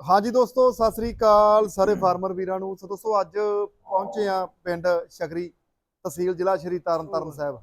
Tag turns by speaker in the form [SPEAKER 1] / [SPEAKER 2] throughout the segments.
[SPEAKER 1] हाँ जी दोस्तों, सत श्री अकाल सारे फार्मर वीरां नूं। सो दोस्तों अज पहुंचे आ पिंड शकरी, तहसील जिला श्री तरन साहब।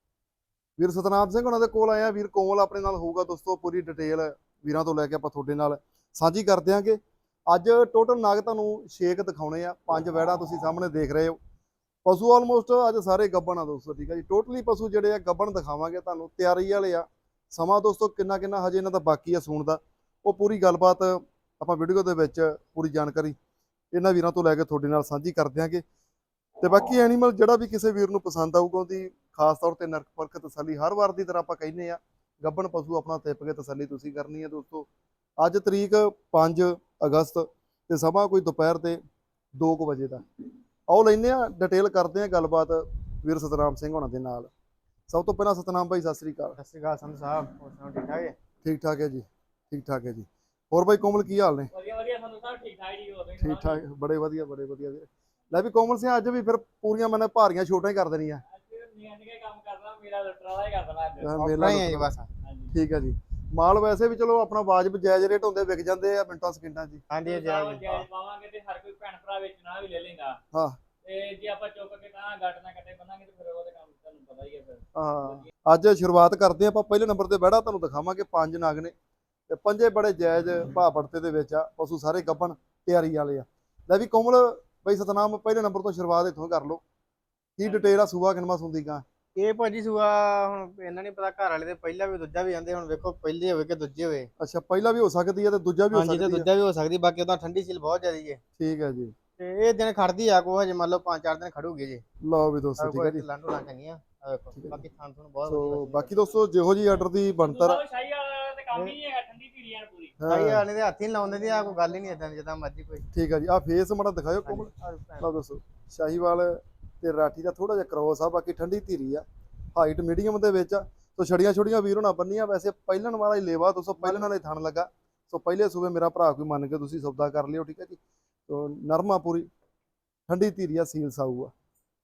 [SPEAKER 1] वीर सतनाम सिंह उन्होंने कोल आए। वीर कोमल अपने नाल होऊगा दोस्तों। पूरी डिटेल वीरां तो लैके आपां तुहाडे नाल साझी कर देंगे। अज टोटल नाग तुहानूं 6 दिखाने आ। 5 वैड़ा तुसीं सामने देख रहे हो। पशु ऑलमोस्ट अज सारे गब्बन आ दोस्तों। ठीक है जी, टोटली पशु जिहड़े आ गब्बन दिखावांगे तुहानूं। तैयारी वाले आ। समा दोस्तों किन्ना किन्ना हजे इन्हां दा बाकी आ सूण दा, वो पूरी गलबात ਆਪਾਂ ਵੀਡੀਓ ਦੇ ਵਿੱਚ ਪੂਰੀ ਜਾਣਕਾਰੀ ਇਹਨਾਂ ਵੀਰਾਂ ਤੋਂ ਲੈ ਕੇ ਤੁਹਾਡੇ ਨਾਲ ਸਾਂਝੀ ਕਰ ਦਿਆਂਗੇ। ਤੇ ਬਾਕੀ ਐਨੀਮਲ ਜਿਹੜਾ ਵੀ ਕਿਸੇ ਵੀਰ ਨੂੰ ਪਸੰਦ ਆਊਗਾ ਉਹਦੀ ਖਾਸ ਤੌਰ ਤੇ ਨਰਕ ਪਰਖ ਤਸੱਲੀ ਹਰ ਵਾਰ ਦੀ ਤਰ੍ਹਾਂ ਆਪਾਂ ਕਹਿੰਦੇ ਆ। ਗੱਬਣ ਪਸ਼ੂ ਆਪਣਾ ਤਿੱਪ ਕੇ ਤਸੱਲੀ ਤੁਸੀਂ ਕਰਨੀ ਹੈ ਦੋਸਤੋ। ਅੱਜ ਤਰੀਕ 5 ਅਗਸਤ ਤੇ ਸਮਾਂ ਕੋਈ ਦੁਪਹਿਰ ਦੇ 2 ਵਜੇ ਦਾ। ਆਓ ਲੈਨੇ ਆ ਡਿਟੇਲ ਕਰਦੇ ਆ ਗੱਲਬਾਤ ਵੀਰ ਸਤਨਾਮ ਸਿੰਘ ਹੋਣਾ ਦੇ ਨਾਲ। ਸਭ ਤੋਂ ਪਹਿਲਾਂ ਸਤਨਾਮ ਭਾਈ ਸਤਿ ਸ੍ਰੀ ਅਕਾਲ।
[SPEAKER 2] ਸਤਿ ਸ਼੍ਰੀ ਅਕਾਲ ਸੰਧੂ ਸਾਹਿਬ, ਹੋਰ ਸੁਣਾਓ ਠੀਕ ਠਾਕ ਹੈ?
[SPEAKER 1] ਠੀਕ ਠਾਕ ਹੈ ਜੀ, ਠੀਕ ਠਾਕ ਹੈ ਜੀ। ਹੋਰ ਭਾਈ ਕੋਮਲ ਕੀ ਹਾਲ ਨੇ?
[SPEAKER 3] ਵਧੀਆ ਵਧੀਆ ਸੰਧੂ ਸਾਹਿਬ, ਠੀਕ ਠਾਕ ਜੀ। ਹੋਰ
[SPEAKER 1] ਠੀਕ ਠਾਕ, ਬੜੇ ਵਧੀਆ ਵੀਰ। ਲੈ ਵੀ ਕੋਮਲ ਸਿੰਘ ਅੱਜ ਵੀ ਫਿਰ ਪੂਰੀਆਂ ਮੈਨੇ ਭਾਰੀਆਂ ਛੋਟਾਂ ਹੀ ਕਰ ਦੇਣੀਆਂ।
[SPEAKER 3] ਨਿਆਣੇ ਕੰਮ ਕਰਦਾ, ਮੇਰਾ ਲੁੱਟਣ ਵਾਲਾ ਹੀ ਕਰ ਦੇਣਾ ਅੱਜ।
[SPEAKER 1] ਮੇਲਾ
[SPEAKER 2] ਹੀ ਹੈ ਜੀ ਬਸ।
[SPEAKER 3] ਹਾਂਜੀ
[SPEAKER 1] ਠੀਕ ਹੈ ਜੀ। ਮਾਲ ਵੈਸੇ ਵੀ ਚਲੋ ਆਪਣਾ ਵਾਜਬ ਜਾਇਜ਼ ਰੇਟ ਹੁੰਦੇ, ਵਿਕ ਜਾਂਦੇ ਆ ਮਿੰਟਾਂ ਸਕਿੰਟਾਂ 'ਚ ਹੀ।
[SPEAKER 2] ਹਾਂਜੀ ਜੀ
[SPEAKER 3] ਜਾਇਜ਼ ਪਾਵਾਂਗੇ ਤੇ ਹਰ ਕੋਈ ਭੈਣ ਭਰਾ ਵੇਚਣਾ ਵੀ ਲੈ ਲੇਗਾ।
[SPEAKER 1] ਹਾਂ
[SPEAKER 3] ਤੇ ਜੇ ਆਪਾਂ ਚੁੱਕ ਕੇ ਤਾਂ ਗੱਟ ਨਾ ਕੱਟੇ ਬੰਨਾਂਗੇ ਤੇ ਫਿਰ ਉਹਦੇ ਕੰਮ ਤੁਹਾਨੂੰ ਪਤਾ ਹੀ ਹੈ ਫਿਰ।
[SPEAKER 1] ਹਾਂ, ਅੱਜ ਸ਼ੁਰੂਆਤ ਕਰਦੇ ਆਪਾਂ। ਪਹਿਲੇ ਨੰਬਰ ਤੇ ਬਹਿੜਾ ਤੁਹਾਨੂੰ ਦਿਖਾਵਾਂਗੇ। 5 ਨਗ ਨੇ ਤੇ ਪੰਜੇ ਬੜੇ ਜਾਇਜ਼ ਭਾਅ ਪੜਤੇ ਦੇ ਵਿੱਚ ਆ। ਪਸ਼ੂ ਸਾਰੇ ਗੱਬਣ ਤਿਆਰੀ ਵਾਲੇ ਆ। ਲੈ ਵੀ ਕੋਮਲ ਬਈ ਸਤਨਾਮ ਪਹਿਲੇ ਨੰਬਰ ਤੋਂ ਸ਼ੁਰੂਆਤ ਇੱਥੋਂ ਕਰ ਲਓ। ਕੀ ਡਿਟੇਲ ਆ? ਸੂਆ ਕਿਨਮਾ ਸੁੰਦੀ ਕਾਂ?
[SPEAKER 2] ਇਹ ਭਾਜੀ ਸੂਆ ਹੁਣ ਇਹਨਾਂ ਨਹੀਂ ਪਤਾ, ਘਰ ਵਾਲੇ ਦੇ ਪਹਿਲਾ ਵੀ ਦੂਜਾ ਵੀ ਆਂਦੇ। ਹੁਣ ਵੇਖੋ ਪਹਿਲੇ ਹੋਵੇ ਕਿ ਦੂਜੇ ਹੋਵੇ।
[SPEAKER 1] ਅੱਛਾ, ਪਹਿਲਾ ਵੀ ਹੋ ਸਕਦੀ ਹੈ ਤੇ ਦੂਜਾ ਵੀ ਹੋ
[SPEAKER 2] ਹਾਂਜੀ, ਤੇ
[SPEAKER 1] ਸਕਦੀ ਹੈ।
[SPEAKER 2] ਦੂਜਾ ਵੀ ਹੋ ਸਕਦੀ। ਬਾਕੀ ਉਹਦਾ ਠੰਡੀ ਸੀਲ ਬਹੁਤ ਜ਼ਿਆਦੀ ਹੈ
[SPEAKER 1] ਠੀਕ ਹੈ ਜੀ।
[SPEAKER 2] ਤੇ ਇਹ ਦਿਨ ਖੜਦੀ ਆ ਕੋ ਹਜੇ ਮੰਨ ਲਓ 5-4 ਦਿਨ ਖੜੂਗੀ ਜੀ।
[SPEAKER 1] ਲਓ ਵੀ ਦੋਸਤੋ, ਠੀਕ ਹੈ ਜੀ।
[SPEAKER 2] ਲਾਂਡੂ ਲਾਂ ਚੰਗੀਆਂ ਆ ਵੇਖੋ। ਬਾਕੀ ਥਾਂ ਤੁਹਾਨੂੰ ਬਹੁਤ
[SPEAKER 1] ਸੋ
[SPEAKER 2] ਵਧੀਆ।
[SPEAKER 1] ਬਾਕੀ ਦੋਸਤੋ ਜਿਹੋ ਜੀ ਆਰਡਰ ਦੀ ਬਣਤਰ
[SPEAKER 3] ਸ਼ਾਹੀ ਵਾਲਾ ਤੇ ਕੰਮ ਹੀ ਨਹੀਂ ਹੈਗਾ, ਠੰਡੀ ਧੀਰੀਆਂ ਪੂਰੀ।
[SPEAKER 2] ਭਾਈ ਆਣੇ ਦੇ ਹੱਥ ਹੀ ਲਾਉਂਦੇ ਦੀ ਆ, ਕੋਈ ਗੱਲ ਹੀ ਨਹੀਂ ਇਦਾਂ ਜਿੱਦਾਂ ਮਰਜ਼ੀ ਕੋਈ।
[SPEAKER 1] ਠੀਕ ਹੈ ਜੀ। ਆ ਫੇਸ ਮਾੜਾ ਦਿਖਾਇਓ ਕੋਮਲ। ਲਓ ਦੋਸਤੋ, ਸ਼ਾਹੀਵਾਲ ਤੇ ਰਾਠੀ ਦਾ ਥੋੜਾ ਜਿਹਾ ਕ੍ਰੋਸ ਆ। ਬਾਕੀ ਠੰਡੀ ਧੀਰੀ ਆ, ਹਾਈਟ ਮੀਡੀਅਮ ਦੇ ਵਿੱਚ ਆ। ਸੋ ਛੜੀਆਂ ਛੋੜੀਆਂ ਵੀਰ ਹੋਣਾ ਬੰਨੀਆਂ। ਵੈਸੇ ਪਹਿਲਣ ਵਾਲਾ ਹੀ ਲੇਵਾ ਦੋਸਤੋ, ਪਹਿਲਣ ਵਾਲੇ ਥਣ ਲੱਗਾ। ਸੋ ਪਹਿਲੇ ਸੂਬੇ ਮੇਰਾ ਭਰਾ ਕੋਈ ਮੰਨ ਕੇ ਤੁਸੀਂ ਸੌਦਾ ਕਰ ਲਿਓ। ਠੀਕ ਹੈ ਜੀ। ਸੋ ਨਰਮਾ ਪੂਰੀ ਠੰਡੀ ਧੀਰੀ ਆ, ਸੀਲ ਸਾਊ ਆ।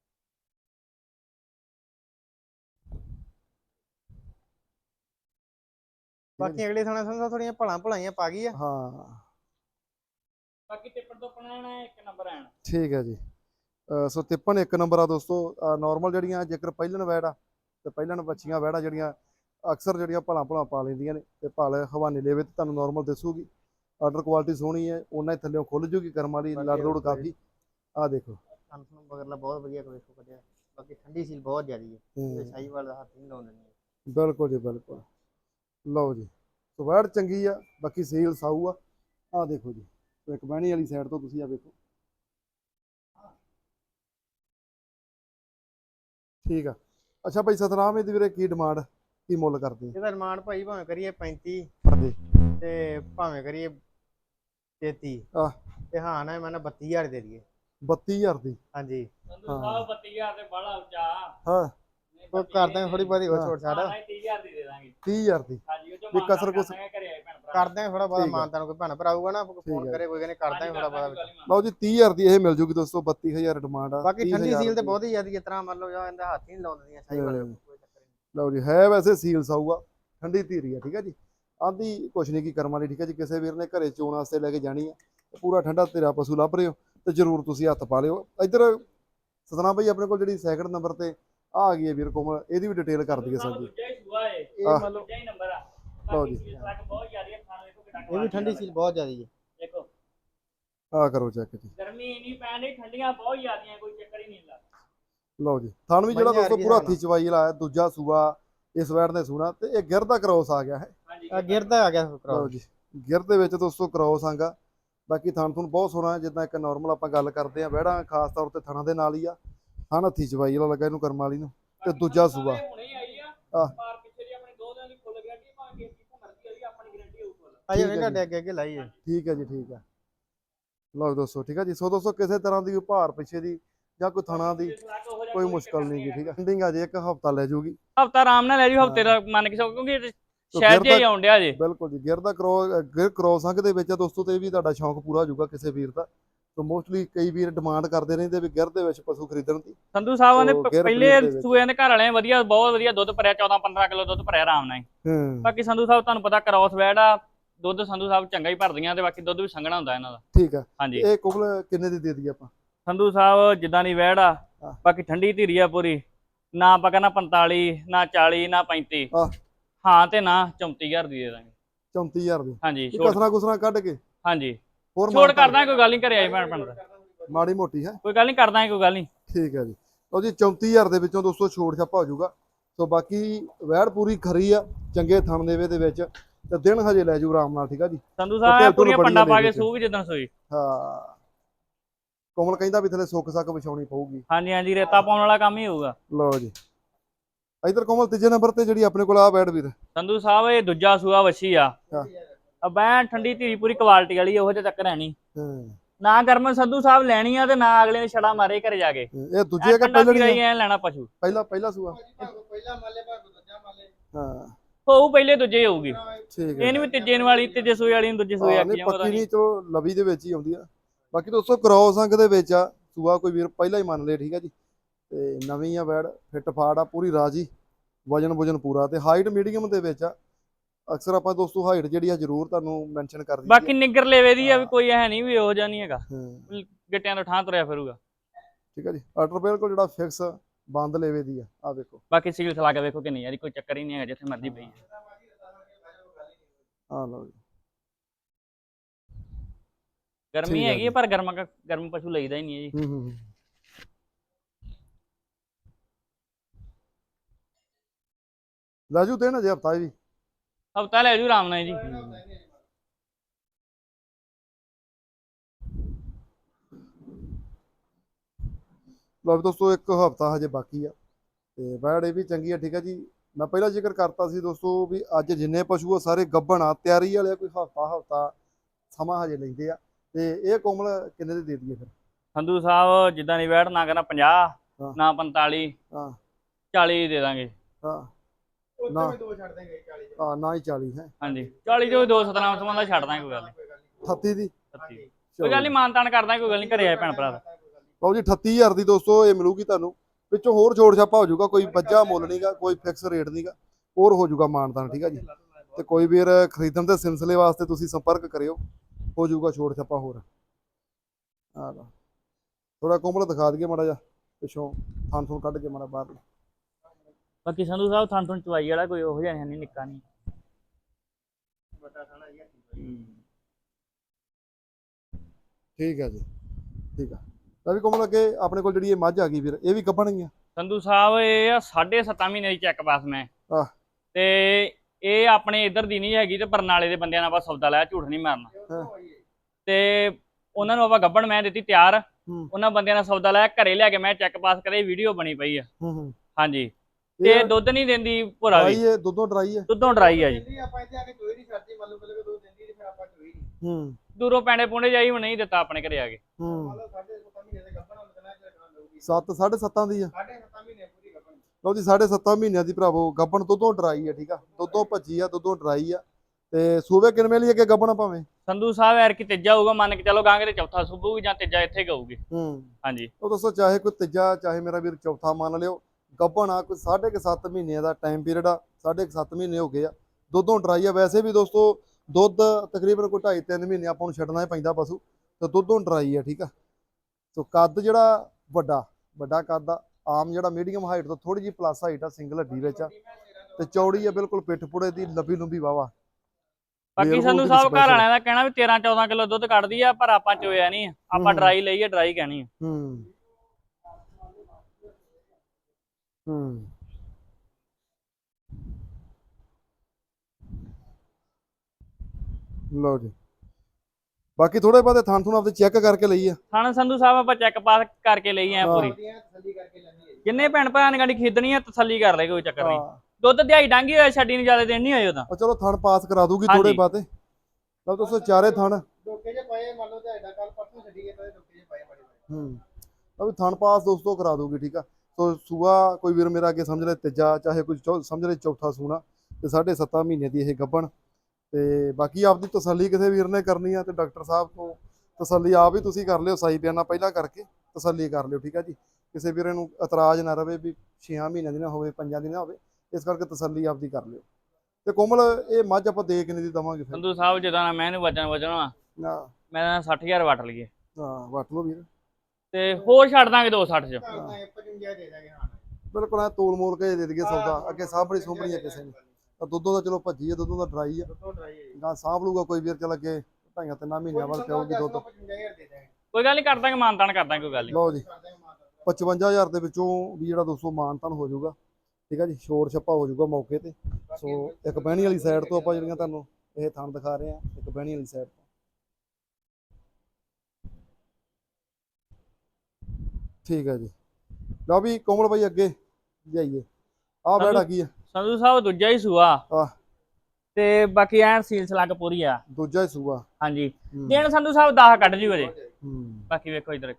[SPEAKER 2] ਬਾਕੀ ਅਗਲੇ ਥਾਣਾ ਸੰਧੂ ਥੋੜੀਆਂ ਭਲਾਈਆਂ ਪਾ ਗਈ ਆ।
[SPEAKER 1] ਹਾਂ
[SPEAKER 3] ਬਾਕੀ ਟਿੱਪਣ ਤੋਂ ਪਣਾ ਇੱਕ ਨੰਬਰ ਆਣ।
[SPEAKER 1] ਠੀਕ ਹੈ ਜੀ। ਸੋ ਤਿੱਪਣ 1 ਨੰਬਰ ਆ ਦੋਸਤੋ। ਨਾਰਮਲ ਜਿਹੜੀਆਂ ਜੇਕਰ ਪਹਿਲਣ ਵੈੜ ਆ ਤੇ ਪਹਿਲਣ ਬੱਚੀਆਂ ਵੈੜਾਂ ਜਿਹੜੀਆਂ ਅਕਸਰ ਜਿਹੜੀਆਂ ਭਲਾਂ ਪਾ ਲੈਂਦੀਆਂ ਨੇ ਤੇ ਭਲ ਹਵਾਨੇ ਲੈਵੇ ਤੇ ਤੁਹਾਨੂੰ ਨਾਰਮਲ ਦਿਸੂਗੀ। ਆਰਡਰ ਕੁਆਲਿਟੀ ਸੋਹਣੀ ਹੈ, ਉਹਨਾਂ ਹੀ ਥੱਲੇੋਂ ਖੁੱਲ ਜੂਗੀ ਕਰਮ ਵਾਲੀ। ਲੜ ਰੋੜ ਕਾਫੀ ਆ ਦੇਖੋ।
[SPEAKER 2] ਸਾਨੂੰ ਬਗਰਲਾ ਬਹੁਤ ਵਧੀਆ ਵੇਖੋ ਕੱਢਿਆ। ਬਾਕੀ ਠੰਡੀ ਸੀਲ ਬਹੁਤ ਜ਼ਿਆਦੀ ਹੈ ਤੇ ਸ਼ਾਹੀਵਾਲ ਦਾ ਹੱਥ ਨਹੀਂ ਲਾਉਂਦੇ ਨੇ।
[SPEAKER 1] ਬਿਲਕੁਲ ਜੀ, ਬਿਲਕੁਲ। ਲਓ ਜੀ, ਸੋ ਵੈੜ ਚੰਗੀ ਆ, ਬਾਕੀ ਸੀਲ ਸਾਊ ਆ। ਆ ਦੇਖੋ ਜੀ, ਇੱਕ ਬਹਿਣੀ ਵਾਲੀ ਸਾਈਡ ਤੋਂ ਤੁਸੀਂ ਆ ਵੇਖੋ। ਠੀਕ ਆ। ਅੱਛਾ ਭਾਈ ਸਤਨਾਮ, ਇਹਦੀ ਵੀਰੇ ਕੀ ਡਿਮਾਂਡ, ਕੀ ਮੁੱਲ ਕਰਦੇ
[SPEAKER 2] ਇਹਦਾ ਡਿਮਾਂਡ ਭਾਈ ਭਾਵੇਂ ਕਰੀਏ 35 ਤੇ ਭਾਵੇਂ ਕਰੀਏ 33
[SPEAKER 1] ਆ?
[SPEAKER 2] ਤੇ ਹਾਂ ਨਾ ਮੈਂ 32000 ਦੇ ਦਈਏ।
[SPEAKER 1] 32000 ਦੀ?
[SPEAKER 2] ਹਾਂਜੀ
[SPEAKER 3] ਸੰਧੂ ਸਾਹਿਬ 32000 ਤੇ ਬੜਾ ਉੱਚਾ।
[SPEAKER 1] ਹਾਂ,
[SPEAKER 2] ਉਹ ਕਰਦੇ ਥੋੜੀ ਬਹੁਤੀ ਹੋਰ ਛੋਟ ਛਾੜ।
[SPEAKER 3] 30000 ਦੀ ਦੇ ਦਾਂਗੇ।
[SPEAKER 1] 30000 ਦੀ
[SPEAKER 3] ਹਾਂਜੀ, ਉਹ ਜੋ
[SPEAKER 1] ਵੀ
[SPEAKER 3] ਮਾਨ
[SPEAKER 1] ਕਸਰ ਕੁਸ
[SPEAKER 3] ਘਰੇ ਆਏ ਭੈਣ ਭਰਾ
[SPEAKER 2] ਕਰਦੇ ਥੋੜਾ ਬਹੁਤਾ ਮਾਨਤਾ ਨੂੰ। ਕੋਈ ਭੈਣ ਭਰਾ ਆਊਗਾ ਨਾ ਫੋਨ
[SPEAKER 1] ਹੈ।
[SPEAKER 2] ਕਰੇ ਕੋਈ ਕਹਿੰਦੇ ਕਰਦੇ ਥੋੜਾ ਬਹੁਤਾ।
[SPEAKER 1] ਲਓ ਜੀ, 30000 ਦੀ ਇਹ ਮਿਲ ਜੂਗੀ ਦੋਸਤੋ। 32000 ਡਿਮਾਂਡ ਆ।
[SPEAKER 2] ਬਾਕੀ ਠੰਡੀ ਸੀਲ ਤੇ ਬਹੁਤ ਹੀ ਜ਼ਿਆਦੀ ਇਸ ਤਰ੍ਹਾਂ ਮੰਨ ਲਓ ਜਾਂ ਇਹਦਾ ਹੱਥ ਹੀ ਨਹੀਂ ਲਾਉਂਦੀਆਂ ਸ਼ਾਹੀਵਾਲ। ਕੋਈ ਚੱਕਰ ਨਹੀਂ।
[SPEAKER 1] ਲਓ ਜੀ, ਹੈ ਵੈਸੇ ਸੀਲ ਸਾਊ ਆ, ਠੰਡੀ ਧੀਰੀ ਆ। ਠੀਕ ਹੈ ਜੀ। ਆਂਦੀ ਕੁਛ ਨਹੀਂ ਕੀ ਕਰਮ ਵਾਲੀ। ਠੀਕ ਹੈ ਜੀ। ਕਿਸੇ ਵੀਰ ਨੇ ਘਰੇ ਚੋਣ ਵਾਸਤੇ ਲੈ ਕੇ ਜਾਣੀ ਆ, ਪੂਰਾ ਠੰਡਾ ਧੀਰਾ ਪਸ਼ੂ ਲੱਭ ਰਹੇ ਹੋ ਤੇ ਜ਼ਰੂਰ ਤੁਸੀਂ ਹੱਥ ਪਾ ਲਿਓ। ਇੱਧਰ ਸਤਨਾਮ ਭਾਈ ਆਪਣੇ ਕੋਲ ਜਿਹੜੀ ਸੈਕਿੰਡ ਨੰਬਰ ਤੇ ਆ ਗਈ ਹੈ ਵੀਰ ਕੋਮਲ, ਇਹਦੀ ਵੀ ਡਿਟੇਲ ਕਰ ਦਈਏ ਸਾਡੀ।
[SPEAKER 3] ਦੂਜਾ ਹੀ ਸੂਆ ਏ,
[SPEAKER 2] ਇਹ ਮੰਨ ਲਓ
[SPEAKER 3] ਦੂਜਾ ਹੀ ਨੰਬਰ ਆ।
[SPEAKER 1] ਲਓ
[SPEAKER 3] ਬਾਕੀ
[SPEAKER 1] ਜੀ,
[SPEAKER 3] ਸੀਲ ਤੱਕ ਬਹੁਤ ਜ਼ਿਆਦਾ ਖਾਣ ਵੇਖੋ ਕਿੰਨਾ
[SPEAKER 2] ਇਹ ਵੀ ਠੰਡੀ ਸੀਲ ਬਹੁਤ ਜ਼ਿਆਦੀ ਹੈ।
[SPEAKER 3] ਦੇਖੋ
[SPEAKER 1] ਆ ਕਰੋ ਚੈੱਕ ਜੀ।
[SPEAKER 3] ਗਰਮੀ ਇੰਨੀ ਪੈਣ ਡਈ, ਠੰਡੀਆਂ ਬਹੁਤ ਜ਼ਿਆਦੀਆਂ, ਕੋਈ ਚੱਕਰ ਹੀ ਨਹੀਂ ਹੁੰਦਾ।
[SPEAKER 1] ਲਓ ਜੀ, ਥਣ ਵੀ ਜਿਹੜਾ ਦੋਸਤੋ ਪੂਰਾ ਹੱਥੀ ਚਵਾਈ ਲਾਇਆ। ਦੂਜਾ ਸੂਆ ਇਸ ਵੈੜ ਨੇ ਸੂਣਾ ਤੇ ਇਹ ਗਿਰ ਦਾ ਕ੍ਰੋਸ ਆ ਗਿਆ ਹੈ।
[SPEAKER 3] ਹਾਂਜੀ,
[SPEAKER 2] ਆ ਗਿਰਦਾ ਆ ਗਿਆ
[SPEAKER 1] ਲਓ ਜੀ, ਗਿਰ ਦੇ ਵਿੱਚ ਦੋਸਤੋ ਕ੍ਰੋਸ ਆਂਗਾ। ਬਾਕੀ ਥਣ ਥੁਣ ਬਹੁਤ ਸੋਹਣਾ, ਜਿੱਦਾਂ ਇੱਕ ਨਾਰਮਲ ਆਪਾਂ ਗੱਲ ਕਰਦੇ ਆ ਵੈੜਾਂ ਖਾਸ ਤੌਰ ਤੇ ਥਣਾਂ ਦੇ ਨਾਲ ਹੀ ਆ। ਥਣ ਹੱਥੀ ਚਵਾਈ ਵਾਲਾ ਲੱਗਾ ਇਹਨੂੰ ਕਰਮ ਵਾਲੀ ਨੂੰ। ਤੇ ਦੂਜਾ ਸੂਆ
[SPEAKER 3] ਹੁਣੇ ਹੀ ਆਈ ਆ।
[SPEAKER 1] ਆਹ।
[SPEAKER 3] ਪਰ ਪਿੱਛੇ ਦੀ ਆਪਣੇ 2 ਦਿਨਾਂ ਦੀ ਫੁੱਲ ਗਾਰੰਟੀ, ਭਾਵੇਂ ਕਿਸੇ ਚੀਜ਼ ਤੋਂ ਮਰਜ਼ੀ ਹੋਈ, ਆਪਣੀ ਗਾਰੰਟੀ ਹੋਊ ਫੁੱਲ।
[SPEAKER 2] ਅਜੇ ਵੀ ਤੁਹਾਡੇ ਅੱਗੇ ਲਾਈ ਹੈ।
[SPEAKER 1] ਠੀਕ ਹੈ ਜੀ, ਠੀਕ ਹੈ। ਲਓ ਦੋਸਤੋ, ਠੀਕ ਹੈ ਜੀ। ਸੋ ਦੋਸਤੋ ਕਿਸੇ ਤਰ੍ਹਾਂ ਦੀ ਭਾਰ ਪਿੱਛੇ ਦੀ ਜਾਂ ਕੋਈ ਥਣਾ ਦੀ ਕੋਈ ਮੁਸ਼ਕਲ ਨਹੀਂ ਗੀ। ਠੀਕ ਹੈ। ਐਂਡਿੰਗ ਅਜੇ ਇੱਕ ਹਫਤਾ ਲੈ ਜੂਗੀ।
[SPEAKER 3] ਹਫਤਾ ਆਰਾਮ ਨਾਲ ਲੈ ਜੂ, ਹਫਤੇ ਦਾ ਮੰਨ ਕੇ ਚੱਲੋ, ਕਿਉਂਕਿ ਸ਼ਾਇਦ ਜੇ ਆਉਣ ਡਿਆ ਜੇ।
[SPEAKER 1] ਬਿਲਕੁਲ ਜੀ, ਗਿਰ ਦਾ ਕ੍ਰੋਸ ਅੰਗ ਦੇ ਵਿੱਚ ਦੋਸਤੋ ਤੇ ਵੀ ਤੁਹਾਡਾ ਸ਼ੌਂਕ ਪੂਰਾ ਹੋ ਜਾਊਗਾ ਕਿਸੇ ਵੀਰ ਦਾ। ਸੋ ਮੋਸਟਲੀ ਕਈ ਵੀਰ ਡਿਮਾਂਡ ਕਰਦੇ ਰਹਿੰਦੇ ਵੀ ਗਿਰ ਦੇ ਵਿੱਚ ਪਸ਼ੂ ਖਰੀਦਣ ਦੀ।
[SPEAKER 3] ਸੰਧੂ ਸਾਹਿਬਾਂ ਨੇ
[SPEAKER 1] ਉਹ ਗਿਰ
[SPEAKER 3] ਪਹਿਲੇ
[SPEAKER 1] ਬਰੀਡ ਦੇ ਵਿੱਚ।
[SPEAKER 3] ਸੂਏ ਦੇ ਘਰ ਵਾਲਿਆਂ ਵਧੀਆ, ਬਹੁਤ ਵਧੀਆ ਦੁੱਧ ਭਰਿਆ। 14-15 ਕਿਲੋ ਦੁੱਧ ਭਰਿਆ ਆਰਾਮ ਨਾਲ। ਬਾਕੀ ਸੰਧੂ ਸਾਹਿਬ ਤੁਹਾਨੂੰ ਪਤਾ ਕ੍ਰੋਸ ਵੈੜ ਆ, ਦੁੱਧ ਸੰਧੂ ਸਾਹਿਬ ਚੰਗਾ ਹੀ ਭਰਦੀਆਂ ਤੇ ਬਾਕੀ ਦੁੱਧ ਵੀ ਸੰਘਣਾ ਹੁੰਦਾ ਇਹਨਾਂ ਦਾ।
[SPEAKER 1] ਠੀਕ ਆ।
[SPEAKER 3] ਹਾਂਜੀ
[SPEAKER 1] ਇਹ ਕੋਮਲ ਕਿੰਨੇ ਦੀ ਦੇ ਦਈਏ ਆਪਾਂ?
[SPEAKER 3] ਸੰਧੂ ਸਾਹਿਬ ਜਿੱਦਾਂ ਦੀ ਵਹਿੜ ਆ
[SPEAKER 1] ਹਾਂ।
[SPEAKER 3] ਬਾਕੀ ਠੰਡੀ ਧੀਰੀ ਆ ਪੂਰੀ, ਨਾ ਆਪਾਂ ਕਹਿੰਦਾ 45 ਨਾ 40 ਨਾ 35
[SPEAKER 1] ਆਹ।
[SPEAKER 3] ਹਾਂ ਤੇ ਨਾ 34000 ਦੀ ਦੇ ਦਾਂਗੇ।
[SPEAKER 1] 34000 ਦੀ
[SPEAKER 3] ਹਾਂਜੀ
[SPEAKER 1] ਇਹ
[SPEAKER 3] ਛੋੜ
[SPEAKER 1] ਕਸਰਾ ਕੁਸਰਾ ਕੱਢ ਕੇ
[SPEAKER 3] ਹਾਂਜੀ
[SPEAKER 1] ਹੋਰ
[SPEAKER 3] ਛੋੜ ਕਰਦਾ ਕੋਈ ਗੱਲ ਨਹੀਂ, ਘਰੇ ਆਈ ਭੈਣ ਭੈਣ ਦਾ
[SPEAKER 1] ਮਾੜੀ ਮੋਟੀ ਹੈ।
[SPEAKER 3] ਕੋਈ ਗੱਲ ਨਹੀਂ ਕਰਦਾ ਕੋਈ ਗੱਲ ਨਹੀਂ।
[SPEAKER 1] ਠੀਕ ਹੈ ਜੀ। ਲਓ ਜੀ 34000 ਦੇ ਵਿੱਚੋਂ ਦੋਸਤੋ ਛੋੜ ਛਾਪਾ ਹੋ ਜਾਊਗਾ। ਸੋ ਬਾਕੀ ਵੈੜ ਪੂਰੀ ਖਰੀ ਆ, ਚੰਗੇ ਥਣ ਦੇਵੇ ਦੇ ਵਿੱਚ ਤੇ ਦਿਨ ਹਜੇ ਲੈ ਜੂ ਆਰਾਮ ਨਾਲ। ਠੀਕ ਆ ਜੀ
[SPEAKER 3] ਸੰਧੂ ਸਾਹਿਬ ਪੂਰੀਆਂ ਪੰਡਾ ਪਾ ਕੇ ਸੂਹ ਵੀ ਜਿੱਦਣ ਸੋਈ।
[SPEAKER 1] ਹਾਂ ਕੋਮਲ ਕਹਿੰਦਾ ਵੀ ਥਲੇ ਸੁੱਕ ਸੱਕ ਵਿਛਾਉਣੀ ਪਊਗੀ।
[SPEAKER 3] ਹਾਂਜੀ ਹਾਂਜੀ ਰੇਤਾ ਪਾਉਣ ਵਾਲਾ ਕੰਮ ਹੀ ਹੋਊਗਾ।
[SPEAKER 1] ਲਓ ਜੀ ਇਧਰ ਕੋਮਲ ਤੀਜੇ ਨੰਬਰ ਤੇ ਜਿਹੜੀ ਆਪਣੇ ਕੋਲ ਆ ਵੈੜ ਵੀਰ।
[SPEAKER 3] ਸੰਧੂ ਸਾਹਿਬ ਇਹ ਦੂਜਾ ਸੂਆ ਵੱਛੀ ਆ।
[SPEAKER 1] ਹਾਂ।
[SPEAKER 3] ਬੈਂ ਠੰਡੀ ਧੀਰੀ ਪੂਰੀ ਕੁਆਲਿਟੀ ਵਾਲੀ ਉਹੋ ਜਿਹਾ ਚੱਕਰ ਹੈ ਨਹੀਂ।
[SPEAKER 1] ਹਾਂ
[SPEAKER 3] ਨਾ ਗਰਮ ਸੰਧੂ ਸਾਹਿਬ ਲੈਣੀ ਆ ਤੇ ਨਾ ਅਗਲੇ ਨੇ ਛੜਾ ਮਾਰੇ ਘਰੇ ਜਾ ਕੇ।
[SPEAKER 1] ਇਹ ਦੂਜੇ ਕਿ
[SPEAKER 3] ਠੰਡਾ
[SPEAKER 1] ਪਹਿਲੇ
[SPEAKER 3] ਐ ਲੈਣਾ ਪਸ਼ੂ
[SPEAKER 1] ਪਹਿਲਾ ਸੂਆ।
[SPEAKER 2] ਪਹਿਲਾ ਮਾਲੇ ਭਾਗ ਦੂਜਾ ਮਾਲੇ।
[SPEAKER 1] ਹਾਂ
[SPEAKER 3] ਹੋਊ ਪਹਿਲੇ ਦੂਜੇ ਹੋਊਗੀ।
[SPEAKER 1] ਠੀਕ ਹੈ।
[SPEAKER 3] ਇਹ ਨਹੀਂ ਵੀ ਤੀਜੇ ਵਾਲੀ ਤੀਜੇ ਸੂਏ ਵਾਲੀ ਨੂੰ ਦੂਜੇ ਸੂਏ ਆਖੀਆਂ
[SPEAKER 1] ਪੱਕੀ ਨਹੀਂ ਚਲੋ ਲਵੀ ਦੇ ਵਿੱਚ ਹੀ ਆਉਂਦੀ ਆ। ਬਾਕੀ ਦੋਸਤੋ ਕ੍ਰੋਸ ਅੰਕ ਦੇ ਵਿੱਚ ਆ ਸੂਆ, ਕੋਈ ਵੀਰ ਪਹਿਲਾਂ ਹੀ ਮੰਨ ਲੇ। ਠੀਕ ਆ ਜੀ ਤੇ ਨਵੀਂ ਆ ਵੈੜ, ਫਿੱਟ ਫਾੜ ਆ ਪੂਰੀ ਰਾਜੀ, ਵਜਨ ਪੂਰਾ ਤੇ ਹਾਈਟ ਮੀਡੀਅਮ ਦੇ ਵਿੱਚ ਆ। ਅਕਸਰ ਆਪਾਂ ਦੋਸਤੋ ਹਾਈਟ ਜਿਹੜੀ ਆ ਜ਼ਰੂਰ ਤੁਹਾਨੂੰ ਮੈਂਸ਼ਨ ਕਰ ਦਈਏ।
[SPEAKER 3] ਬਾਕੀ ਨਿੱਗਰ ਲੈਵੇ ਦੀ ਆ ਵੀ ਕੋਈ ਹੈ ਨਹੀਂ ਵੀ ਉਹ ਜਿਹਾ ਨਹੀਂ ਹੈਗਾ,
[SPEAKER 1] ਹਾਂ
[SPEAKER 3] ਗਿੱਟਿਆਂ ਤੋਂ ਠਾਂ ਤੁਰਿਆ ਫਿਰੂਗਾ।
[SPEAKER 1] ਠੀਕ ਆ ਜੀ। ਅਟਰ ਬਿਲਕੁਲ ਜਿਹੜਾ ਫਿਕਸ ਬੰਦ ਲੈਵੇ ਦੀ ਆ ਵੇਖੋ।
[SPEAKER 3] ਬਾਕੀ ਸੀਲ ਸਲਾ ਕੇ ਵੇਖੋ ਕਿ ਨਹੀਂ ਯਾਰ ਕੋਈ ਚੱਕਰ ਹੀ ਨਹੀਂ ਹੈਗਾ, ਜਿੱਥੇ ਮਰਜ਼ੀ ਪਈ
[SPEAKER 1] ਆ ਲਓ ਜੀ।
[SPEAKER 3] ਗਰਮੀ
[SPEAKER 1] ਠੀਕ ਆ
[SPEAKER 3] ਹੈਗੀ ਪਰ ਗਰਮ ਪਸ਼ੂ ਲਈਦਾ ਹੀ ਨਹੀਂ ਹੈ ਜੀ।
[SPEAKER 1] ਰਾਜੂ ਦੇਣਾ ਜੇ ਹਫਤਾ ਵੀ
[SPEAKER 3] ਹਫਤਾ ਲੈ ਜੂ ਆਰਾਮ ਨਾਲ ਜੀ।
[SPEAKER 1] ਲਓ ਦੋਸਤੋ ਇੱਕ ਹਫਤਾ ਹਜੇ ਬਾਕੀ ਆ ਤੇ ਵੈੜ ਇਹ ਵੀ ਚੰਗੀ ਆ। ਠੀਕ ਆ ਜੀ। ਮੈਂ ਪਹਿਲਾਂ ਜ਼ਿਕਰ ਕਰਤਾ ਸੀ ਦੋਸਤੋ ਵੀ ਅੱਜ ਜਿੰਨੇ ਪਸ਼ੂ ਆ ਸਾਰੇ ਗੱਭਣ ਆ, ਤਿਆਰੀ ਵਾਲੇ ਕੋਈ ਹਫਤਾ ਸਮਾਂ ਹਜੇ ਲੈਂਦੇ ਆ। ਤੇ ਇਹ ਕੋਮਲ ਕਿੰਨੇ ਦੇ ਦਈਏ ਫਿਰ?
[SPEAKER 3] ਸੰਧੂ ਸਾਹਿਬ ਜਿੱਦਾਂ ਦੀ ਵੈੜ ਨਾ ਕਹਿੰਦਾ 50 ਨਾ 45
[SPEAKER 1] ਹਾਂ
[SPEAKER 3] 40 ਦੇ ਦਾਂਗੇ।
[SPEAKER 1] ਹਾਂ
[SPEAKER 2] ਨਾ ਦੋ ਛੱਡ ਦੇਂਗੇ 40 ਦੇ।
[SPEAKER 1] ਹਾਂ ਨਾ ਹੀ 40 ਹੈ।
[SPEAKER 3] ਹਾਂਜੀ 40 ਜੋ ਦੋ ਸਤਨਾਮ ਸਮਾਂ ਦਾ ਛੱਡ ਦਾਂਗੇ ਕੋਈ ਗੱਲ ਨਹੀਂ।
[SPEAKER 1] 38 ਦੀ
[SPEAKER 3] 38 ਕੋਈ ਗੱਲ ਨਹੀਂ, ਮਾਨਤਾਨ ਕਰਦਾ ਕੋਈ ਗੱਲ ਨਹੀਂ, ਘਰੇ ਆਏ ਭੈਣ ਭਰਾ ਦਾ।
[SPEAKER 1] ਲਓ ਜੀ 38000 ਦੀ ਦੋਸਤੋ ਇਹ ਮਿਲੂਗੀ ਤੁਹਾਨੂੰ। ਵਿੱਚੋਂ ਹੋਰ ਛੋੜ ਛਾਪਾ ਹੋ ਜਾਊਗਾ, ਕੋਈ ਬੱਜਾ ਮੁੱਲ ਨਹੀਂਗਾ, ਕੋਈ ਫਿਕਸ ਰੇਟ ਨਹੀਂਗਾ, ਹੋਰ ਹੋ ਜਾਊਗਾ ਮਾਨਤਾਨ। ਠੀਕ ਆ ਜੀ। ਤੇ ਕੋਈ ਵੀਰ ਖਰੀਦਣ ਦੇ ਸਿਲਸਿਲੇ ਵਾਸਤੇ ਤੁਸੀਂ ਸੰਪਰਕ ਕਰਿਓ, ਹੋ ਜਾਊਗਾ ਛੋੜ ਛਾਪਾ ਹੋਰ। ਆ ਲਓ ਥੋੜਾ ਕੋਮਲ ਦਿਖਾ ਦਈਏ ਮਾੜਾ ਜਿਹਾ ਪਿੱਛੋਂ ਥਣ ਕੱਢ ਕੇ ਮਾੜਾ ਬਾਹਰ।
[SPEAKER 3] ਬਾਕੀ ਸੰਧੂ ਸਾਹਿਬ ਥਣ ਚਵਾਈ ਵਾਲਾ ਕੋਈ ਉਹੋ ਜਿਹਾ ਨਹੀਂ, ਨਿੱਕਾ ਨਹੀਂ।
[SPEAKER 1] ਠੀਕ ਹੈ ਜੀ। ਠੀਕ ਆ। ਤਾਂ ਵੀ ਕੋਮਲ ਅੱਗੇ ਆਪਣੇ ਕੋਲ ਜਿਹੜੀ ਇਹ ਮੱਝ ਆ ਗਈ ਵੀਰ, ਇਹ ਵੀ ਗੱਭਣਗੀਆਂ?
[SPEAKER 3] ਸੰਧੂ ਸਾਹਿਬ ਇਹ ਆ 7.5 ਮਹੀਨੇ ਦੀ ਚੈੱਕ ਪਾਸ ਮੈਂ
[SPEAKER 1] ਆਹ
[SPEAKER 3] ਤੇ ਇਹ ਆਪਣੇ ਇੱਧਰ ਦੀ ਨਹੀਂ ਹੈਗੀ ਤੇ ਬਰਨਾਲੇ ਦੇ ਬੰਦਿਆਂ ਨਾਲ ਆਪਾਂ ਸੌਦਾ ਲਾਇਆ, ਝੂਠ ਨਹੀਂ ਮਾਰਨਾ। ਤੇ ਉਹਨਾਂ ਨੂੰ ਆਪਾਂ ਗੱਭਣ ਮੈਂ ਦਿੱਤੀ ਤਿਆਰ, ਉਹਨਾਂ ਬੰਦਿਆਂ ਨਾਲ ਸੌਦਾ ਲਾਇਆ, ਘਰੇ ਲਿਆ ਕੇ ਮੈਂ ਚੈੱਕ ਪਾਸ ਕਰੇ, ਵੀਡੀਓ ਬਣੀ ਪਈ ਆ। ਹਾਂਜੀ ਤੇ ਦੁੱਧ ਨਹੀਂ ਦਿੰਦੀ ਭੋਰਾ ਵੀ,
[SPEAKER 1] ਇਹ ਦੁੱਧੋਂ ਡਰਾਈ ਹੈ,
[SPEAKER 3] ਦੁੱਧੋਂ ਡਰਾਈ ਆ ਜੀ।
[SPEAKER 2] ਆਪਾਂ ਇੱਥੇ ਆ ਕੇ ਕੋਈ ਨਹੀਂ ਛੱਡਦੀ, ਮੰਨ ਲਓ ਕਿ ਦੋ ਦਿੰਦੀ ਤੇ ਫਿਰ ਆਪਾਂ ਕੋਈ ਨਹੀਂ।
[SPEAKER 3] ਦੂਰੋਂ ਪੈਂਡੇ ਪੁੰਡੇ ਜਾਈ ਹੁਣ ਨਹੀਂ ਦਿੱਤਾ ਆਪਣੇ ਘਰੇ ਆ ਕੇ।
[SPEAKER 2] ਮੰਨ ਲਓ 7.5 ਮਹੀਨੇ ਦੇ ਗੱਭਣ ਹੁੰਦੇ ਨਾ, ਜਿਹੜਾ ਖਾਣ ਲਊਗੀ
[SPEAKER 1] 7.5 ਦੀ ਆ।
[SPEAKER 2] 7.5 ਮਹੀਨੇ ਪੂਰੀ ਗੱਭਣ।
[SPEAKER 1] ਲਓ ਜੀ 7.5 ਮਹੀਨਿਆਂ ਦੀ ਭਰਾਵੋ ਗੱਭਣ, ਦੁੱਧੋਂ ਡਰਾਈ ਆ। ਠੀਕ ਆ। ਦੁੱਧੋਂ ਭੱਜੀ ਆ, ਦੁੱਧੋਂ ਡਰਾਈ ਆ। ਤੇ ਸੂਬੇ ਕਿਨਵੇਂ ਲਈ ਅੱਗੇ ਗੱਭਣ ਭਾਵੇਂ
[SPEAKER 3] ਸੰਧੂ ਸਾਹਿਬ ਯਾਰ ਕਿ ਤੀਜਾ ਹੋਊਗਾ, ਮੰਨ ਕੇ ਚਲੋ ਗਾਂਗੇ ਤੇ ਚੌਥਾ ਸੁਬੂਗੀ ਜਾਂ ਤੀਜਾ ਇੱਥੇ ਗਊਗੀ। ਹਾਂਜੀ
[SPEAKER 1] ਉਹ ਦੱਸੋ ਚਾਹੇ ਕੋਈ ਤੀਜਾ ਚਾਹੇ ਮੇਰਾ ਵੀਰ ਚੌਥਾ ਮੰਨ ਲਿਓ, ਗੱਭਣ ਆ ਕੋਈ 7.5 ਮਹੀਨੇ ਦਾ ਟਾਈਮ ਪੀਰੀਅਡ ਆ, 7.5 ਮਹੀਨੇ ਹੋ ਗਏ ਆ, ਦੁੱਧੋਂ ਡਰਾਈ ਆ। ਵੈਸੇ ਵੀ ਦੋਸਤੋ ਦੁੱਧ ਤਕਰੀਬਨ ਕੋਈ 2.5-3 ਮਹੀਨੇ ਆਪਾਂ ਨੂੰ ਛੱਡਣਾ ਹੀ ਪੈਂਦਾ ਪਸ਼ੂ, ਤੇ ਦੁੱਧੋਂ ਡਰਾਈ ਆ। ਠੀਕ ਆ। ਸੋ ਕੱਦ ਜਿਹੜਾ ਵੱਡਾ ਕੱਦ ਆ, ਆਮ ਜਿਹੜਾ ਮੀਡੀਅਮ ਹਾਈਟ ਤੋਂ ਥੋੜੀ ਜਿਹੀ ਪਲੱਸ ਹਾਈਟ ਆ, ਸਿੰਗਲ ਹੱਡੀ ਵਿੱਚ ਆ ਤੇ ਚੌੜੀ ਆ ਬਿਲਕੁਲ, ਪਿੱਠ ਪੁੜੇ ਦੀ ਲੰਬੀ ਵਾਵਾ।
[SPEAKER 3] ਬਾਕੀ ਸੰਧੂ ਸਾਹਿਬ ਘਰ ਵਾਲਿਆਂ ਦਾ ਕਹਿਣਾ ਵੀ 13-14 ਕਿਲੋ ਦੁੱਧ ਕੱਢਦੀ ਆ, ਪਰ ਆਪਾਂ ਚੋਇਆ ਨਹੀਂ, ਆਪਾਂ ਡਰਾਈ ਲਈ ਆ, ਡਰਾਈ ਕਹਿਣੀ ਆ।
[SPEAKER 1] ਲਓ ਜੀ ਬਾਕੀ ਥੋੜੇ ਬਾਅਦ ਥਣ ਥੁਣ ਆਪਦੇ ਚੈੱਕ ਕਰਕੇ ਲਈ ਆ।
[SPEAKER 3] ਥਣ ਸੰਧੂ ਸਾਹਿਬ ਆਪਾਂ ਚੈੱਕ ਪਾਸ ਕਰਕੇ ਲਈ ਆ ਪੂਰੀ, ਜਿੰਨੇ ਭੈਣ ਭਰਾ ਨੇ ਗਾੜੀ ਖਰੀਦਣੀ ਆ ਤਸੱਲੀ ਕਰ ਲੈ, ਕੋਈ ਚੱਕਰ ਨਹੀਂ। ਦੁੱਧ ਦਿਹਾਈ ਡਾਂਗੀ ਹੋਇਆ, ਛੱਡੀ ਨਹੀਂ ਜ਼ਿਆਦਾ ਦੇਣ ਨਹੀਂ ਹੋਈ ਉਹਦਾ।
[SPEAKER 1] ਚਲੋ ਥਣ ਪਾਸ ਕਰਾ ਦੂਗੀ ਥੋੜੇ ਬਾਅਦ। ਲਓ ਦੋਸਤੋ ਚਾਰੇ ਥਣ
[SPEAKER 2] ਡੋਕੇ ਜੇ ਪਏ, ਮੰਨ ਲਓ ਤੁਹਾਡਾ ਕੱਲ ਪਰਸੋਂ ਛੱਡੀ ਗਏ, ਡੋਕੇ ਜੇ ਪਏ ਬੜੇ।
[SPEAKER 1] ਵੀ ਥਣ ਪਾਸ ਦੋਸਤੋ ਕਰਾ ਦੂਗੀ। ਠੀਕ ਆ। ਸੋ ਸੂਆ ਕੋਈ ਵੀਰ ਮੇਰਾ ਅੱਗੇ ਸਮਝ ਲੈ ਤੀਜਾ, ਚਾਹੇ ਕੋਈ ਸਮਝ ਲੈ ਚੌਥਾ ਸੂਣਾ, ਤੇ 7.5 ਮਹੀਨੇ ਦੀ ਇਹ ਗੱਭਣ। ਤੇ ਬਾਕੀ ਆਪਦੀ ਤਸੱਲੀ ਕਿਸੇ ਵੀਰ ਨੇ ਕਰਨੀ ਆ ਤੇ ਡਾਕਟਰ ਸਾਹਿਬ ਤੋਂ ਤਸੱਲੀ ਆਪ ਹੀ ਤੁਸੀਂ ਕਰ ਲਿਓ, ਸਾਈ ਬਿਆਨਾ ਪਹਿਲਾਂ ਕਰਕੇ ਤਸੱਲੀ ਕਰ ਲਿਓ। ਠੀਕ ਆ ਜੀ। ਕਿਸੇ ਵੀਰੇ ਨੂੰ ਇਤਰਾਜ਼ ਨਾ ਰਵੇ ਵੀ 6 ਮਹੀਨਿਆਂ ਦੀ ਨਾ ਹੋਵੇ, 5 ਦੀ ਨਾ ਹੋਵੇ, ਇਸ ਕਰਕੇ ਤਸੱਲੀ ਆਪਦੀ ਕਰ ਲਿਓ। ਤੇ ਕੋਮਲ ਇਹ ਮੱਝ ਆਪਾਂ ਦੇ ਕਿੰਨੇ ਦੀ ਦਵਾਂਗੇ ਫਿਰ?
[SPEAKER 3] ਸੰਧੂ ਸਾਹਿਬ ਜਦੋਂ ਨਾ ਮੈਂ ਇਹਨੂੰ ਵਜਣਾ
[SPEAKER 1] ਹਾਂ
[SPEAKER 3] ਮੈਂ 60000 ਵਟ ਲਈਏ
[SPEAKER 1] ਹਾਂ ਵਟ ਲਓ ਵੀਰ।
[SPEAKER 3] ਤੇ ਹੋਰ ਛੱਡ ਦਾਂਗੇ 260 ਚ।
[SPEAKER 2] 55 ਦੇ ਦਾਂਗੇ ਹਾਂ
[SPEAKER 1] ਬਿਲਕੁਲ ਐ ਤੋਲ ਮੋਲ ਕੇ ਦੇ ਦਈਏ ਸੌਦਾ। ਅੱਗੇ ਸਾਂਭਣੀ ਸੁੰਭਣੀ ਆ ਕਿਸੇ ਨੇ ਤਾਂ ਦੁੱਧੋਂ ਦਾ ਚਲੋ ਭੱਜੀ ਆ, ਦੁੱਧੋਂ ਦਾ ਡਰਾਈ ਆ,
[SPEAKER 2] ਦੁੱਧੋਂ ਡਰਾਈ ਹੈ
[SPEAKER 1] ਗਾਂ ਸਾਂਭ ਲੂਗਾ ਕੋਈ ਵੀਰ ਚੱਲ ਅੱਗੇ 2.5-3 ਮਹੀਨਿਆਂ ਬਾਅਦ ਪਿਆਉਗੀ ਦੁੱਧ।
[SPEAKER 2] 55000 ਦੇ ਦਾਂਗੇ
[SPEAKER 3] ਕੋਈ ਗੱਲ ਨਹੀਂ ਕਰ ਦਾਂਗੇ ਮਾਨਤਾਨ ਕਰ ਦਾਂਗੇ ਕੋਈ ਗੱਲ ਨਹੀਂ।
[SPEAKER 1] ਲਓ ਜੀ 55000 ਦੇ ਵਿੱਚੋਂ ਵੀ ਜਿਹੜਾ 200 ਮਾਨਤਾਨ ਹੋ ਜਾਊਗਾ ਠੀਕ ਆ ਜੀ। ਛੋੜ ਛੱਪਾ ਹੋ ਜਾਊਗਾ ਮੌਕੇ ਤੇ। ਸੋ ਇੱਕ ਬਹਿਣੀ ਵਾਲੀ ਸਾਈਡ ਤੋਂ ਆਪਾਂ ਜਿਹੜੀਆਂ ਤੁਹਾਨੂੰ ਇਹ ਥਣ ਦਿਖਾ ਰਹੇ ਆ, ਇੱਕ ਬਹਿਣੀ ਵਾਲੀ ਸਾਈਡ ਤੋਂ। ਠੀਕ ਹੈ ਜੀ। ਲਓ ਵੀ ਕੋਮਲ ਬਾਈ ਅੱਗੇ ਜਾਈਏ। ਆਹ ਬੈਠ ਆ ਗਈ ਆ
[SPEAKER 3] ਸੰਧੂ ਸਾਹਿਬ ਦੂਜਾ ਹੀ ਸੂਆ
[SPEAKER 1] ਆਹ
[SPEAKER 3] ਤੇ ਬਾਕੀ ਐਨ ਸੀਲ ਸਲੱਗ ਪੂਰੀ ਆ।
[SPEAKER 1] ਦੂਜਾ ਹੀ ਸੂਆ।
[SPEAKER 3] ਹਾਂਜੀ ਦੇਣ ਸੰਧੂ ਸਾਹਿਬ 10 ਕੱਢ ਜੂ ਅਜੇ। ਬਾਕੀ ਵੇਖੋ ਇਧਰ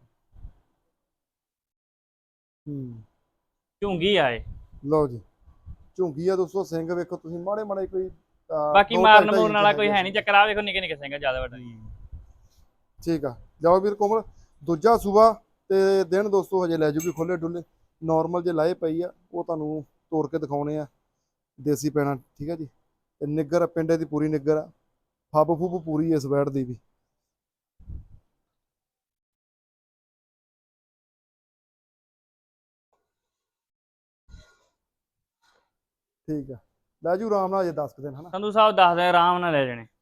[SPEAKER 3] ਝੁੰਗੀ ਆ ਇਹ।
[SPEAKER 1] ਲਓ ਜੀ ਝੁੰਗੀ ਆ ਦੋਸਤੋ। ਸਿੰਘ ਵੇਖੋ ਤੁਸੀਂ ਮਾੜੇ ਮਾੜੇ ਕੋਈ
[SPEAKER 3] ਬਾਕੀ
[SPEAKER 1] 2
[SPEAKER 3] ਮਾਰਨ
[SPEAKER 1] 2.5
[SPEAKER 3] ਮੂਰਨ ਵਾਲਾ ਕੋਈ ਹੈ ਨਹੀਂ ਚੱਕਰ। ਆ ਵੇਖੋ ਨਿੱਕੇ ਨਿੱਕੇ ਸਿੰਘ ਜਿਆਦਾ ਵੱਡਾ ਨਹੀਂ।
[SPEAKER 1] ਠੀਕ ਆ। ਜਾਓ ਵੀਰ ਕੋਮਲ ਦੂਜਾ ਸੂਆ ਤੇ ਦਿਨ ਦੋਸਤੋ ਹਜੇ ਲੈ ਜੂਗੀ ਖੁੱਲੇ ਡੁੱਲੇ। ਨਾਰਮਲ ਜੇ ਲਾਏ ਪਈ ਆ ਉਹ ਤੁਹਾਨੂੰ ਤੋੜ ਕੇ ਦਿਖਾਉਣੇ ਆ। ਦੇਸੀ ਪੈਣਾ ਠੀਕ ਆ ਜੀ। ਤੇ ਨਿੱਗਰ ਪਿੰਡੇ ਦੀ ਪੂਰੀ ਨਿੱਗਰ ਆ। ਫੱਬ ਫੁੱਬ ਪੂਰੀ ਇਸ ਵੈੜ ਦੀ ਵੀ। ਠੀਕ ਆ ਲੈ ਜੂ ਆਰਾਮ ਨਾਲ ਅਜੇ 10 ਦਿਨ ਹਨਾ।
[SPEAKER 3] ਸੰਧੂ ਸਾਹਿਬ 10 ਦਿਨ ਆਰਾਮ ਨਾਲ ਲੈ ਜਾਣੇ।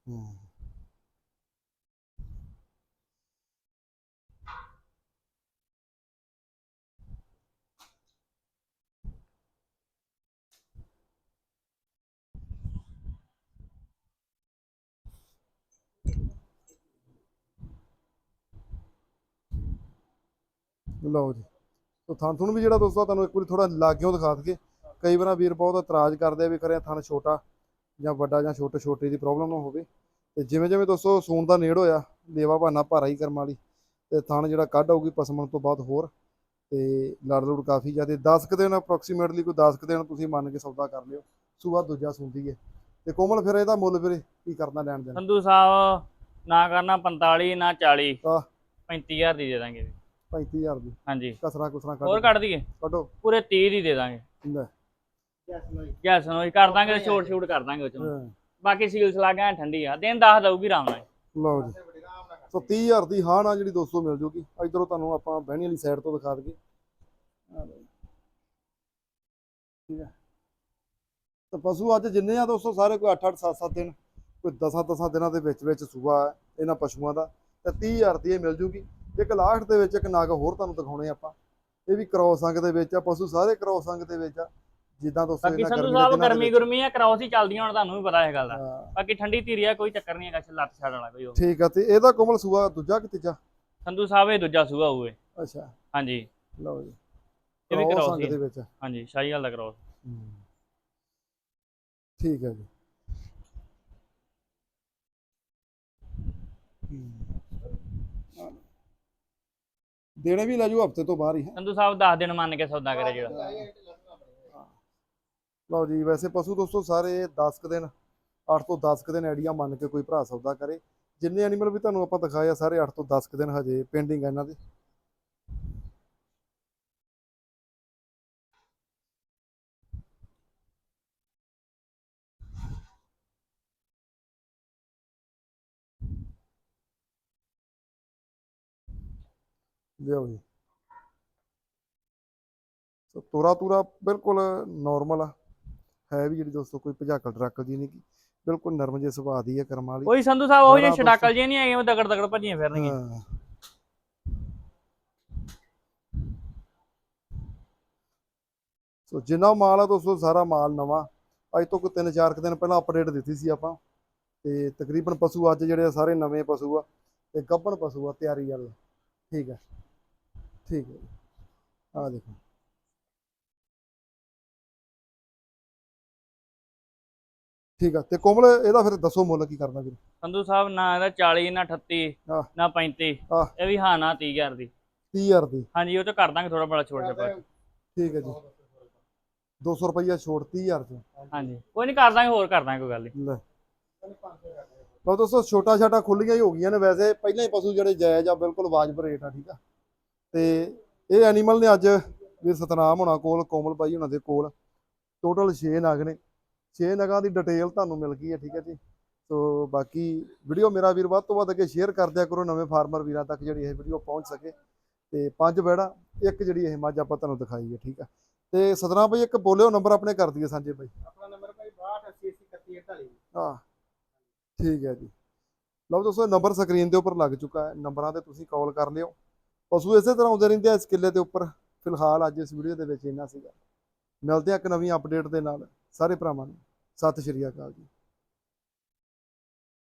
[SPEAKER 1] ਲਓ ਜੀ ਤੋ ਥਣ ਥੁਣ ਵੀ ਜਿਹੜਾ ਦੋਸਤੋ ਤੁਹਾਨੂੰ ਇੱਕ ਵਾਰੀ ਥੋੜਾ ਲਾਗਿਓ ਦਿਖਾ ਦਈਏ। ਕਈ ਵਾਰ ਵੀਰ ਬਹੁਤ ਇਤਰਾਜ਼ ਕਰਦੇ ਆ ਵੀ ਕਰਿਆ ਥਣ ਛੋਟਾ ਜਾਂ ਵੱਡਾ ਜਾਂ ਛੋਟੇ ਦੀ ਪ੍ਰੋਬਲਮ ਨਾ ਹੋਵੇ। ਤੇ ਜਿਵੇਂ ਜਿਵੇਂ ਦੋਸਤੋ ਸੂਣ ਦਾ ਨੇੜ ਹੋਇਆ ਲੇਵਾ ਬਹਾਨਾ ਭਾਰਾ ਹੀ ਕਰਮ ਵਾਲੀ ਤੇ ਥਣ ਜਿਹੜਾ ਕੱਢ ਆਊਗੀ ਪਸਮਣ ਤੋਂ ਬਾਅਦ ਹੋਰ ਤੇ ਲੜ ਲੁੜ ਕਾਫੀ ਜ਼ਿਆਦਾ 10 ਕੁ ਦਿਨ ਅਪਰੋਕਸੀਮੇਟਲੀ ਕੋਈ 10 ਕੁ ਦਿਨ ਤੁਸੀਂ ਮੰਨ ਕੇ ਸੌਦਾ ਕਰ ਲਿਓ। ਸੂਆ ਦੂਜਾ ਸੁਣਦੀ ਹੈ ਤੇ ਕੋਮਲ ਫਿਰ ਇਹਦਾ ਮੁੱਲ ਵੀਰੇ ਕੀ ਕਰਨਾ ਲੈਣ ਦੇਣ?
[SPEAKER 3] ਸੰਧੂ ਸਾਹਿਬ ਨਾ ਕਰਨਾ 45 ਨਾ 40
[SPEAKER 1] ਆਹ
[SPEAKER 3] 35000 ਦੀ ਦੇ ਦਾਂਗੇ।
[SPEAKER 1] 35000 ਦੀ
[SPEAKER 3] ਹਾਂਜੀ
[SPEAKER 1] ਕਸਰਾ ਕੁਸਰਾ
[SPEAKER 3] ਹੋਰ ਕੱਢ ਦਈਏ
[SPEAKER 1] ਕੱਢੋ
[SPEAKER 3] ਪੂਰੇ 30 ਦੀ ਦੇ ਦਾਂਗੇ।
[SPEAKER 1] ਲੈ
[SPEAKER 3] ਗੈਸ ਨੂੰ ਕਰ ਦਾਂਗੇ ਛੋਟ ਛੂਟ ਕਰ ਦਾਂਗੇ ਉਹ ਚੋਂ। ਬਾਕੀ ਸੀਲ ਸਲਾਗਾ ਠੰਡੀ ਆ ਦਿਨ 10 ਦਊਗੀ ਆਰਾਮ ਨਾਲ।
[SPEAKER 1] ਲਓ ਜੀ ਸੋ 30000 ਦੀ ਹਾਂ ਨਾ ਜਿਹੜੀ 200 ਮਿਲ ਜੂਗੀ। ਇਧਰੋਂ ਤੁਹਾਨੂੰ ਆਪਾਂ ਬਹਿਣੀ ਵਾਲੀ ਸਾਈਡ ਤੋਂ ਦਿਖਾ ਦਈਏ। ਠੀਕ ਹੈ ਤਾਂ ਪਸ਼ੂ ਅੱਜ ਜਿੰਨੇ ਆ ਦੋਸਤੋ ਸਾਰੇ ਕੋਈ 8-8 7-7 ਦਿਨ ਕੋਈ 10-10 ਦਿਨਾਂ ਦੇ ਵਿੱਚ ਸੂਆ ਹੈ ਇਹਨਾਂ ਪਸ਼ੂਆਂ ਦਾ ਤੇ 30000 ਦੀ ਇਹ ਮਿਲ ਜੂਗੀ। ਇੱਕ ਲਾਸਟ ਦੇ ਵਿੱਚ ਇੱਕ ਨਗ ਹੋਰ ਤੁਹਾਨੂੰ ਦਿਖਾਉਣੇ ਆਪਾਂ। ਇਹ ਵੀ ਕ੍ਰੋਸ ਅੰਗ ਦੇ ਵਿੱਚ ਆ। ਪਸ਼ੂ ਸਾਰੇ ਕ੍ਰੋਸ ਅੰਗ ਦੇ ਵਿੱਚ ਆ ਜਿੱਦਾਂ ਦੋਸਤੋ
[SPEAKER 3] ਬਾਕੀ
[SPEAKER 1] ਇਹਨਾਂ
[SPEAKER 3] ਸੰਧੂ
[SPEAKER 1] ਗਰਮੀ ਦੇ
[SPEAKER 3] ਸਾਹਿਬ
[SPEAKER 1] ਦਿਨਾਂ ਦੇ
[SPEAKER 3] ਗਰਮੀ
[SPEAKER 1] ਵਿੱਚ।
[SPEAKER 3] ਗੁਰਮੀ ਆ ਕ੍ਰੋਸ ਹੀ ਚੱਲਦੀਆਂ ਹੁਣ ਤੁਹਾਨੂੰ ਵੀ ਪਤਾ ਇਹ ਗੱਲ ਦਾ।
[SPEAKER 1] ਹਾਂ,
[SPEAKER 3] ਬਾਕੀ ਠੰਡੀ ਧੀਰੀ ਆ ਕੋਈ ਚੱਕਰ ਨਹੀਂ ਹੈਗਾ ਲੱਤ ਛੱਡ ਵਾਲਾ ਕੋਈ ਉਹ।
[SPEAKER 1] ਠੀਕ ਆ। ਤੇ ਇਹਦਾ ਕੋਮਲ ਸੂਆ ਦੂਜਾ ਕਿ ਤੀਜਾ?
[SPEAKER 3] ਸੰਧੂ ਸਾਹਿਬ ਇਹ ਦੂਜਾ ਸੂਆ ਹੋਊਏ।
[SPEAKER 1] ਅੱਛਾ
[SPEAKER 3] ਹਾਂਜੀ
[SPEAKER 1] ਲਓ ਜੀ
[SPEAKER 3] ਇਹ ਵੀ
[SPEAKER 1] ਕ੍ਰੋਸ
[SPEAKER 3] ਕ੍ਰੋਸ
[SPEAKER 1] ਅੰਗ
[SPEAKER 3] ਹੀ
[SPEAKER 1] ਦੇ ਵਿੱਚ ਆ।
[SPEAKER 3] ਹਾਂਜੀ ਸ਼ਾਹੀਵਾਲ ਦਾ ਕ੍ਰੋਸ।
[SPEAKER 1] ਠੀਕ ਹੈ ਜੀ। ਦੇਣੇ ਵੀ ਲੈ ਜਾਓ ਹਫਤੇ ਤੋਂ ਬਾਹਰ ਹੀ ਹੈ।
[SPEAKER 3] ਸੰਧੂ ਸਾਹਿਬ 10 ਦਿਨ ਮੰਨ ਕੇ ਸੌਦਾ ਕਰੇ ਜਿਹੜਾ।
[SPEAKER 1] ਲਓ ਜੀ ਵੈਸੇ ਪਸ਼ੂ ਦੋਸਤੋ ਸਾਰੇ 10 ਕੁ ਦਿਨ 8 ਤੋਂ 10 ਕੁ ਦਿਨ ਆਈਡੀਆ ਮੰਨ ਕੇ ਕੋਈ ਭਰਾ ਸੌਦਾ ਕਰੇ। ਜਿੰਨੇ ਐਨੀਮਲ ਵੀ ਤੁਹਾਨੂੰ ਆਪਾਂ ਦਿਖਾਏ ਆ ਸਾਰੇ 8 ਤੋਂ 10 ਕੁ ਦਿਨ ਹਜੇ ਪੈਂਡਿੰਗ ਆ ਇਹਨਾਂ ਦੇ। ਲਿਓ ਜੀ ਸੋ ਤੋਰਾ ਤੂਰਾ ਬਿਲਕੁਲ ਨਾਰਮਲ ਆ ਹੈ ਵੀ ਜਿਹੜੀ ਦੋਸਤੋ ਕੋਈ ਭਜਾਕਲ ਟਰੱਕ ਜੀ ਨਹੀਂ ਗੀ। ਬਿਲਕੁਲ ਨਰਮ ਜਿਹੇ ਸੁਭਾਅ ਦੀ ਹੈ ਕਰਮ ਵਾਲੀ।
[SPEAKER 3] ਕੋਈ ਸੰਧੂ ਸਾਹਿਬ ਉਹ ਜਿਹੇ
[SPEAKER 1] ਬੜਾ
[SPEAKER 3] ਛਡਾਕਲ ਜਿਹੇ ਨਹੀਂ ਹੈਗੇ ਉਹ ਦਗੜ ਦਗੜ ਭੱਜੀਆਂ ਫਿਰਨਗੀਆਂ।
[SPEAKER 1] ਹਾਂ। ਸੋ ਜਿੰਨਾ ਮਾਲ ਆ ਦੋਸਤੋ ਸਾਰਾ ਮਾਲ ਨਵਾਂ ਅੱਜ ਤੋਂ ਕੋਈ 3-4 ਦਿਨ ਪਹਿਲਾਂ ਅਪਡੇਟ ਦਿੱਤੀ ਸੀ ਆਪਾਂ। ਤੇ ਤਕਰੀਬਨ ਪਸ਼ੂ ਅੱਜ ਜਿਹੜੇ ਆ ਸਾਰੇ ਨਵੇਂ ਪਸ਼ੂ ਆ ਤੇ ਗੱਭਣ ਪਸ਼ੂ ਆ ਤਿਆਰੀ ਵਾਲੇ। ਠੀਕ ਹੈ ਠੀਕ ਹੈ ਆ ਦੇਖੋ ਠੀਕ ਆ। ਤੇ ਕੋਮਲ ਇਹਦਾ ਫਿਰ ਦੱਸੋ ਮੁੱਲ ਕੀ ਕਰਨਾ ਵੀਰ?
[SPEAKER 3] ਸੰਧੂ ਸਾਹਿਬ ਨਾ ਇਹਦਾ 40 ਨਾ 38
[SPEAKER 1] ਆਹ।
[SPEAKER 3] ਨਾ 35
[SPEAKER 1] ਆਹ।
[SPEAKER 3] ਇਹ ਵੀ ਹਾਂ ਨਾ 30000 ਦੀ।
[SPEAKER 1] 30000 ਦੀ
[SPEAKER 3] ਹਾਂਜੀ ਉਹ ਤੇ ਕਰ ਦਾਂਗੇ ਥੋੜਾ ਬੜਾ ਛੋੜ ਛਪਾ।
[SPEAKER 1] ਠੀਕ ਹੈ ਜੀ 200 ਰੁਪਈਆ ਛੋੜ 30000 ਚ।
[SPEAKER 3] ਹਾਂਜੀ ਕੋਈ ਨਹੀਂ ਕਰ ਦਾਂਗੇ ਹੋਰ ਕਰ ਦਾਂਗੇ ਕੋਈ ਗੱਲ ਨਹੀਂ।
[SPEAKER 1] ਲੈ ਲਓ ਦੋਸਤੋ ਛੋਟਾ ਛਾਟਾ ਖੁੱਲੀਆਂ ਹੀ ਹੋ ਗਈਆਂ ਨੇ। ਵੈਸੇ ਪਹਿਲਾਂ ਹੀ ਪਸ਼ੂ ਜਿਹੜੇ ਜਾਇਜ਼ ਆ ਬਿਲਕੁਲ ਵਾਜਬ ਰੇਟ ਆ। ਠੀਕ ਆ ਤੇ ਇਹ ਐਨੀਮਲ ਨੇ ਅੱਜ ਵੀਰ ਸਤਨਾਮ ਹੋਣਾ ਕੋਲ ਕੋਮਲ ਬਾਈ ਹੋਣਾ ਦੇ ਕੋਲ ਟੋਟਲ 6 ਨਗ ਨੇ 6 ਨਗਾਂ ਦੀ ਡਿਟੇਲ ਤੁਹਾਨੂੰ ਮਿਲ ਗਈ ਹੈ, ਠੀਕ ਹੈ ਜੀ। ਸੋ ਬਾਕੀ ਵੀਡੀਓ ਮੇਰਾ ਵੀਰ ਵੱਧ ਤੋਂ ਵੱਧ ਅੱਗੇ ਸ਼ੇਅਰ ਕਰ ਦਿਆ ਕਰੋ, ਨਵੇਂ ਫਾਰਮਰ ਵੀਰਾਂ ਤੱਕ ਜਿਹੜੀ ਇਹ ਵੀਡੀਓ ਪਹੁੰਚ ਸਕੇ। ਤੇ 5 ਬੈੜਾ, ਇੱਕ ਜਿਹੜੀ ਇਹ ਮੱਝ ਆਪਾਂ ਤੁਹਾਨੂੰ ਦਿਖਾਈ ਹੈ, ਠੀਕ ਆ। ਤੇ ਸਤਨਾਮ ਭਾਈ ਇੱਕ ਬੋਲਿਓ ਨੰਬਰ ਆਪਣੇ ਕਰ ਦਈਏ ਸਾਂਝੇ ਭਾਈ।
[SPEAKER 2] ਆਪਣਾ ਨੰਬਰ ਭਾਈ 6280813148।
[SPEAKER 1] ਹਾਂ ਠੀਕ ਹੈ ਜੀ। ਲਓ ਦੋਸਤੋ ਨੰਬਰ ਸਕਰੀਨ ਦੇ ਉੱਪਰ ਲੱਗ ਚੁੱਕਾ ਹੈ, ਨੰਬਰਾਂ ਤੇ ਤੁਸੀਂ ਕਾਲ ਕਰ ਲਿਓ। ਪਸ਼ੂ ਇਸੇ ਤਰ੍ਹਾਂ ਆਉਂਦੇ ਰਹਿੰਦੇ ਆ ਇਸ ਕਿੱਲੇ ਦੇ ਉੱਪਰ। ਫਿਲਹਾਲ ਅੱਜ ਇਸ ਵੀਡੀਓ ਦੇ ਵਿੱਚ ਇੰਨਾ ਸੀਗਾ। ਮਿਲਦੇ ਆ ਇੱਕ ਨਵੀਂ ਅਪਡੇਟ ਦੇ ਨਾਲ ਸਾਰੇ ਭਰਾਵਾਂ ਨੂੰ ਸਤਿ ਸ਼੍ਰੀ ਅਕਾਲ ਜੀ।